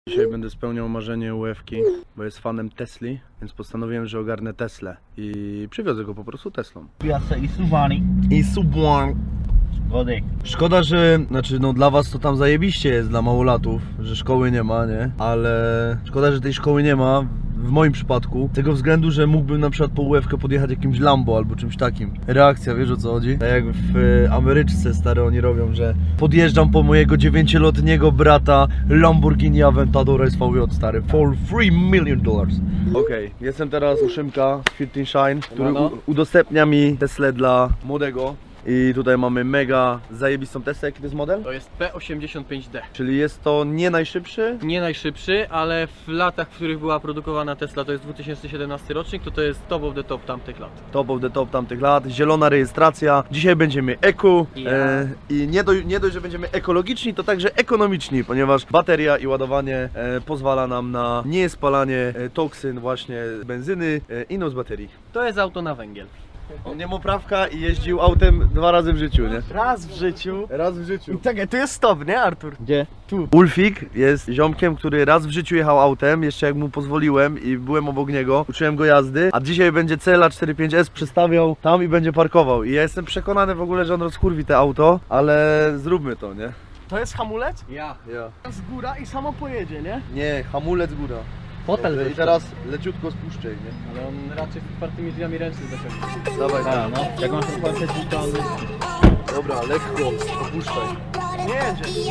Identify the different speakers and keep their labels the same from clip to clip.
Speaker 1: Dzisiaj będę spełniał marzenie UF-ki, bo jest fanem Tesli, więc postanowiłem, że ogarnę Teslę i przywiozę go po prostu Teslą.
Speaker 2: Piazza i Suwani.
Speaker 1: I Subaru.
Speaker 2: Godek.
Speaker 1: Szkoda, że, no dla was to tam zajebiście jest, dla małolatów, że szkoły nie ma, nie? Ale szkoda, że tej szkoły nie ma, w moim przypadku, z tego względu, że mógłbym na przykład po UF-kę podjechać jakimś Lambo albo czymś takim. Reakcja, wiesz o co chodzi? Tak jak w Ameryczce, stary, oni robią, że podjeżdżam po mojego 9-letniego brata Lamborghini Aventador SVJ, stary, for $3 million. Okej, jestem teraz u Szymka z Fit and Shine, który udostępnia mi Teslę dla młodego. I tutaj mamy mega zajebistą Teslę. Jaki to jest model?
Speaker 3: To jest P85D.
Speaker 1: Czyli jest to nie najszybszy?
Speaker 3: Nie najszybszy, ale w latach, w których była produkowana Tesla, to jest 2017 rocznik, to jest top of the top tamtych lat.
Speaker 1: Top of the top tamtych lat, zielona rejestracja. Dzisiaj będziemy eco i nie dość, że będziemy ekologiczni, to także ekonomiczni, ponieważ bateria i ładowanie pozwala nam na niespalanie toksyn właśnie z benzyny i z baterii.
Speaker 3: To jest auto na węgiel.
Speaker 1: On nie ma prawka i jeździł autem 2 razy w życiu, nie?
Speaker 2: Raz w życiu.
Speaker 1: Raz w życiu.
Speaker 2: Czekaj, tu jest stop, nie Artur? Gdzie? Tu.
Speaker 1: Ulfik jest ziomkiem, który raz w życiu jechał autem, jeszcze jak mu pozwoliłem i byłem obok niego, uczyłem go jazdy, a dzisiaj będzie Cela 45S przestawiał tam i będzie parkował. I ja jestem przekonany w ogóle, że on rozkurwi te auto, ale zróbmy to, nie?
Speaker 2: To jest hamulec?
Speaker 3: Ja.
Speaker 2: Z góra i samo pojedzie, nie?
Speaker 1: Nie, hamulec góra.
Speaker 3: Fotel.
Speaker 1: I teraz leciutko spuszczaj, nie?
Speaker 3: Ale on raczej z otwartymi drzwiami ręcznych zaciągnie.
Speaker 1: Dawaj,
Speaker 3: no. Jak masz otwarte drzwi, to on...
Speaker 1: Dobra, lekko, opuszczaj.
Speaker 2: Nie jedzie.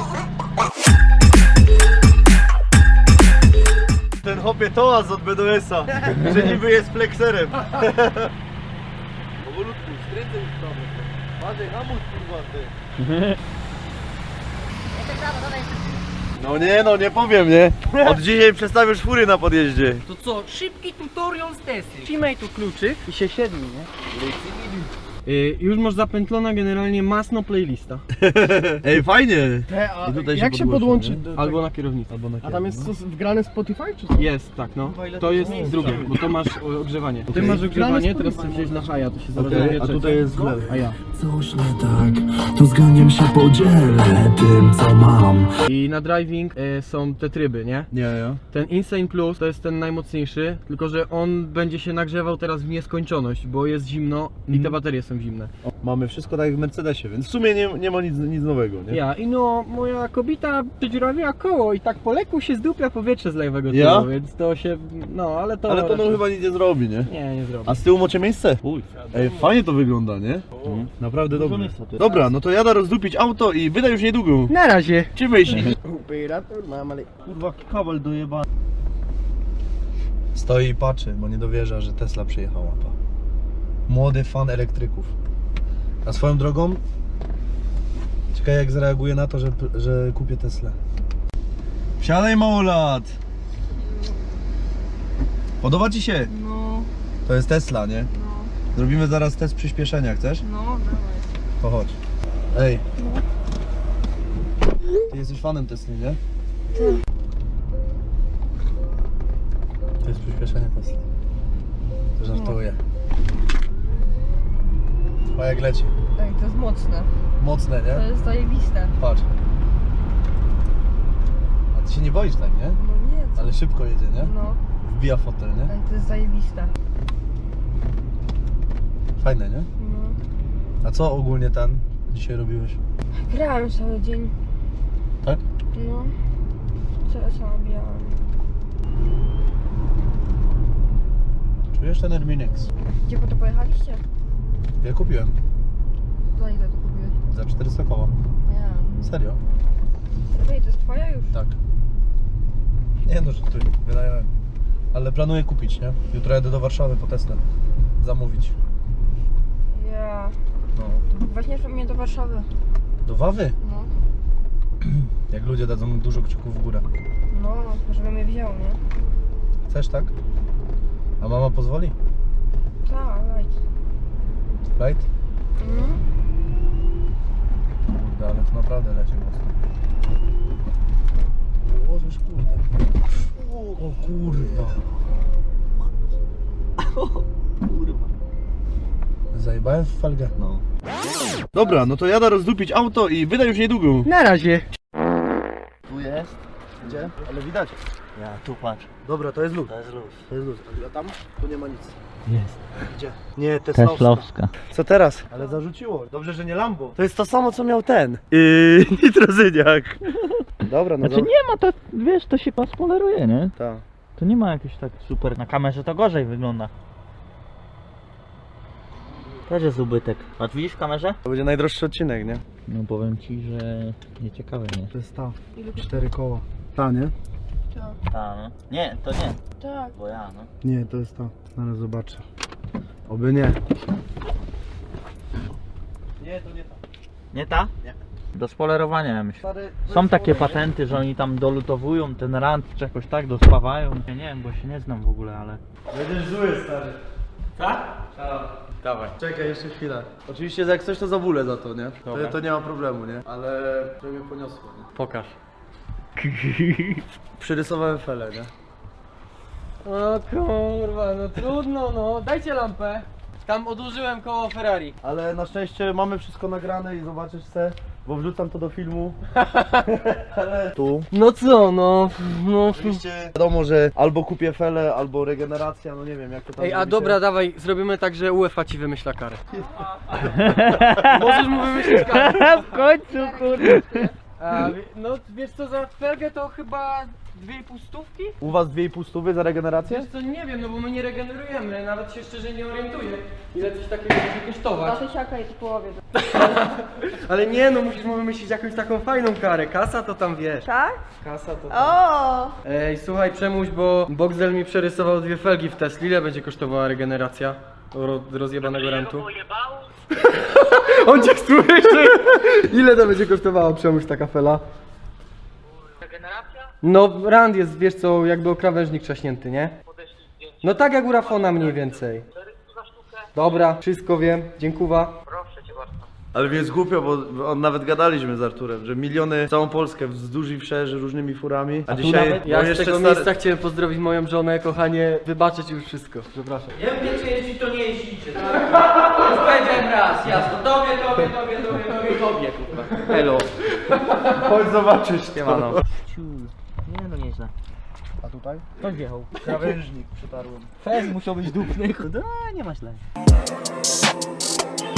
Speaker 1: Ten hopie toaz od BDS-a, że niby jest flexerem. Powolutku, skręcaj już tam. Marzej, hamuj kurwa ty. No nie powiem, nie? Od dzisiaj przestawisz fury na podjeździe.
Speaker 3: To co? Szybki tutorial z Tesli. Trzymaj tu kluczyk i się siedmi, nie? Już masz zapętlona generalnie masno playlista.
Speaker 1: Ej, fajnie.
Speaker 2: A
Speaker 1: I tutaj
Speaker 2: jak się podłączy? do
Speaker 3: Albo na kierownicy.
Speaker 2: A tam jest coś wgrane Spotify czy co?
Speaker 3: Jest, tak no. To jest drugie, bo to masz ogrzewanie. Ty masz ogrzewanie, teraz chcę wziąć na haja, to się zaraz
Speaker 1: Okej, a tutaj jest źle.
Speaker 3: A ja.
Speaker 4: Coś nie tak, to z ganiem się podzielę tym, co mam.
Speaker 3: I na driving są te tryby, nie?
Speaker 1: Nie, ja.
Speaker 3: Ten Insane Plus to jest ten najmocniejszy, tylko że on będzie się nagrzewał teraz w nieskończoność, bo jest zimno i te baterie są zimne.
Speaker 1: Mamy wszystko tak jak w Mercedesie, więc w sumie nie ma nic nowego, nie?
Speaker 3: Ja i no, moja kobieta przedziurawiła koło i tak po leku się zdupia powietrze z lewego tyłu,
Speaker 1: Ja?
Speaker 3: więc to się, no ale to...
Speaker 1: Ale to no
Speaker 3: raczej-
Speaker 1: chyba nic nie zrobi, nie?
Speaker 3: Nie zrobi.
Speaker 1: A z tyłu macie miejsce? Ej, fajnie to wygląda, nie? Naprawdę dobrze. Dobra, no to jadę rozdupić auto i wyda już niedługo.
Speaker 3: Na razie!
Speaker 1: Czy myślisz?
Speaker 2: Operator mam, ale...
Speaker 1: Kurwa, kabel dojebany. Stoi i patrzy, bo nie dowierza, że Tesla przyjechała. Młody fan elektryków. A swoją drogą, ciekawe jak zareaguje na to, że kupię Teslę. Wsiadaj, małolat! Podoba ci się?
Speaker 5: No,
Speaker 1: To jest Tesla, nie?
Speaker 5: no,
Speaker 1: Zrobimy zaraz test przyspieszenia, chcesz?
Speaker 5: no, dawaj.
Speaker 1: To chodź. Ej. Ty jesteś fanem Tesli, nie? To jest przyspieszenie Tesli. To żartuję. A jak leci?
Speaker 5: Ej, to jest mocne.
Speaker 1: Mocne,
Speaker 5: To
Speaker 1: nie?
Speaker 5: jest zajebiste.
Speaker 1: Patrz. A ty się nie boisz tak, nie?
Speaker 5: No nie, co?
Speaker 1: Ale szybko jedzie, nie?
Speaker 5: No,
Speaker 1: Wbija fotel, nie?
Speaker 5: ej, to jest zajebiste.
Speaker 1: Fajne, nie?
Speaker 5: No.
Speaker 1: A co ogólnie dzisiaj robiłeś?
Speaker 5: Grałem cały dzień.
Speaker 1: Tak?
Speaker 5: No. CS-a nabijałem.
Speaker 1: Czujesz ten Erminex?
Speaker 5: Gdzie po to pojechaliście?
Speaker 1: Ja kupiłem.
Speaker 5: Za ile to kupiłeś?
Speaker 1: Za 400 koła.
Speaker 5: Nie.
Speaker 1: Serio?
Speaker 5: Ej, to jest twoja już?
Speaker 1: Tak. Nie no, że tu wynająłem. Ale planuję kupić, nie? Jutro jadę do Warszawy po Teslę. Zamówić.
Speaker 5: Ja.
Speaker 1: No.
Speaker 5: Weźmiesz mnie do Warszawy.
Speaker 1: Do Wawy?
Speaker 5: No.
Speaker 1: Jak ludzie dadzą dużo kciuków w górę.
Speaker 5: No, żeby mnie wziął, nie?
Speaker 1: Chcesz, tak? A mama pozwoli?
Speaker 5: Tak, right.
Speaker 1: Right?
Speaker 5: Mhm.
Speaker 1: Kurde, ale to naprawdę leci mocno. Ułożysz, kurde. O kurwa. Kurwa. Zajebałem w felgę. No. Dobra, no to jadę rozdupić auto i wyda już niedługo.
Speaker 3: Na razie!
Speaker 2: Tu jest.
Speaker 1: Gdzie? Ale widać.
Speaker 6: Ja, tu patrz,
Speaker 1: Dobra, to jest luz.
Speaker 6: to jest luz.
Speaker 1: To jest luz. A tam? Tu nie ma nic.
Speaker 6: Jest.
Speaker 1: Gdzie? Nie, Teslowska.
Speaker 6: Teslowska.
Speaker 1: Co teraz? Ale zarzuciło. Dobrze, że nie Lambo. To jest to samo, co miał ten. Nitrozyniak. Dobra, no
Speaker 6: Znaczy nie ma, to wiesz, to się spoileruje, nie?
Speaker 1: Tak.
Speaker 6: To nie ma jakieś tak super. Na kamerze to gorzej wygląda. Też jest ubytek. A widzisz w kamerze?
Speaker 1: To będzie najdroższy odcinek, nie?
Speaker 6: No powiem ci, że nieciekawe, nie?
Speaker 1: To jest ta. 4 koła. Ta, nie?
Speaker 5: Tak.
Speaker 6: Ta, no. Nie, to nie.
Speaker 5: Tak.
Speaker 6: Bo ja, no.
Speaker 1: Nie, to jest ta. Zaraz zobaczę. Oby nie.
Speaker 3: Nie, to nie tak.
Speaker 6: Nie ta? Nie. Do spoilerowania, ja myślę.
Speaker 1: Stary,
Speaker 6: Są takie patenty, że oni tam dolutowują ten rant czy jakoś tak, dospawają. Ja nie wiem, bo się nie znam w ogóle, ale...
Speaker 1: będziesz zły, stary.
Speaker 3: Tak? Dawaj.
Speaker 1: Czekaj, jeszcze chwilę. Oczywiście jak coś to zawulę za to, nie?
Speaker 3: Dobra.
Speaker 1: To nie ma problemu, nie? Ale to mnie poniosło, nie?
Speaker 3: Pokaż.
Speaker 1: Przyrysowałem felę, nie?
Speaker 3: O kurwa, no trudno no. Dajcie lampę. Tam odłożyłem koło Ferrari.
Speaker 1: Ale na szczęście mamy wszystko nagrane i zobaczysz se, bo wrzucam to do filmu. Ale tu.
Speaker 3: No co, no.
Speaker 1: Oczywiście wiadomo, że albo kupię felę, albo regeneracja, no nie wiem jak to tam
Speaker 3: Ej, a
Speaker 1: zrobicie.
Speaker 3: dobra, dawaj, zrobimy tak, że UEFA ci wymyśla karę. Możesz mu wymyślić karę.
Speaker 6: W końcu, kurde.
Speaker 3: A, no wiesz co, za felgę to chyba 2,5 stówki?
Speaker 1: U was 2,5 stówy za regenerację?
Speaker 3: Wiesz co, nie wiem, no bo my nie regenerujemy, nawet się szczerze nie orientuję, ile coś takiego może kosztować.
Speaker 5: Tysiaka i to połowie.
Speaker 3: Ale nie, no musisz mu wymyślić jakąś taką fajną karę, kasa to tam wiesz.
Speaker 5: Tak?
Speaker 3: Kasa to tam.
Speaker 5: O!
Speaker 3: Ej, słuchaj Przemuś, bo Boxel mi przerysował 2 felgi w Tesli, ile będzie kosztowała regeneracja rozjebanego rentu? On cię słyszy! Ile to będzie kosztowało Przemuś taka fela? No rand jest, wiesz co, jakby o krawężnik trzaśnięty, nie? No tak jak u Rafona mniej więcej. Dobra, wszystko wiem, dziękuję.
Speaker 1: Ale mi jest głupio, bo on nawet gadaliśmy z Arturem, że miliony całą Polskę wzdłuż i wszerz różnymi furami. A dzisiaj
Speaker 3: Nawet ja z tego miejsca chciałem pozdrowić moją żonę, kochanie, wybaczyć już wszystko, przepraszam.
Speaker 7: Nie wiem, czy jeździ, to nie jeździcie. Już powiedziałem raz, jasno. Tobie, kurwa.
Speaker 3: Hello.
Speaker 1: Chodź zobaczyć.
Speaker 3: Siemano.
Speaker 6: Nie, no nieźle.
Speaker 1: A tutaj?
Speaker 6: Kto wjechał?
Speaker 1: Krawężnik przetarłem.
Speaker 6: Fez musiał być dupny. No, nie ma źle.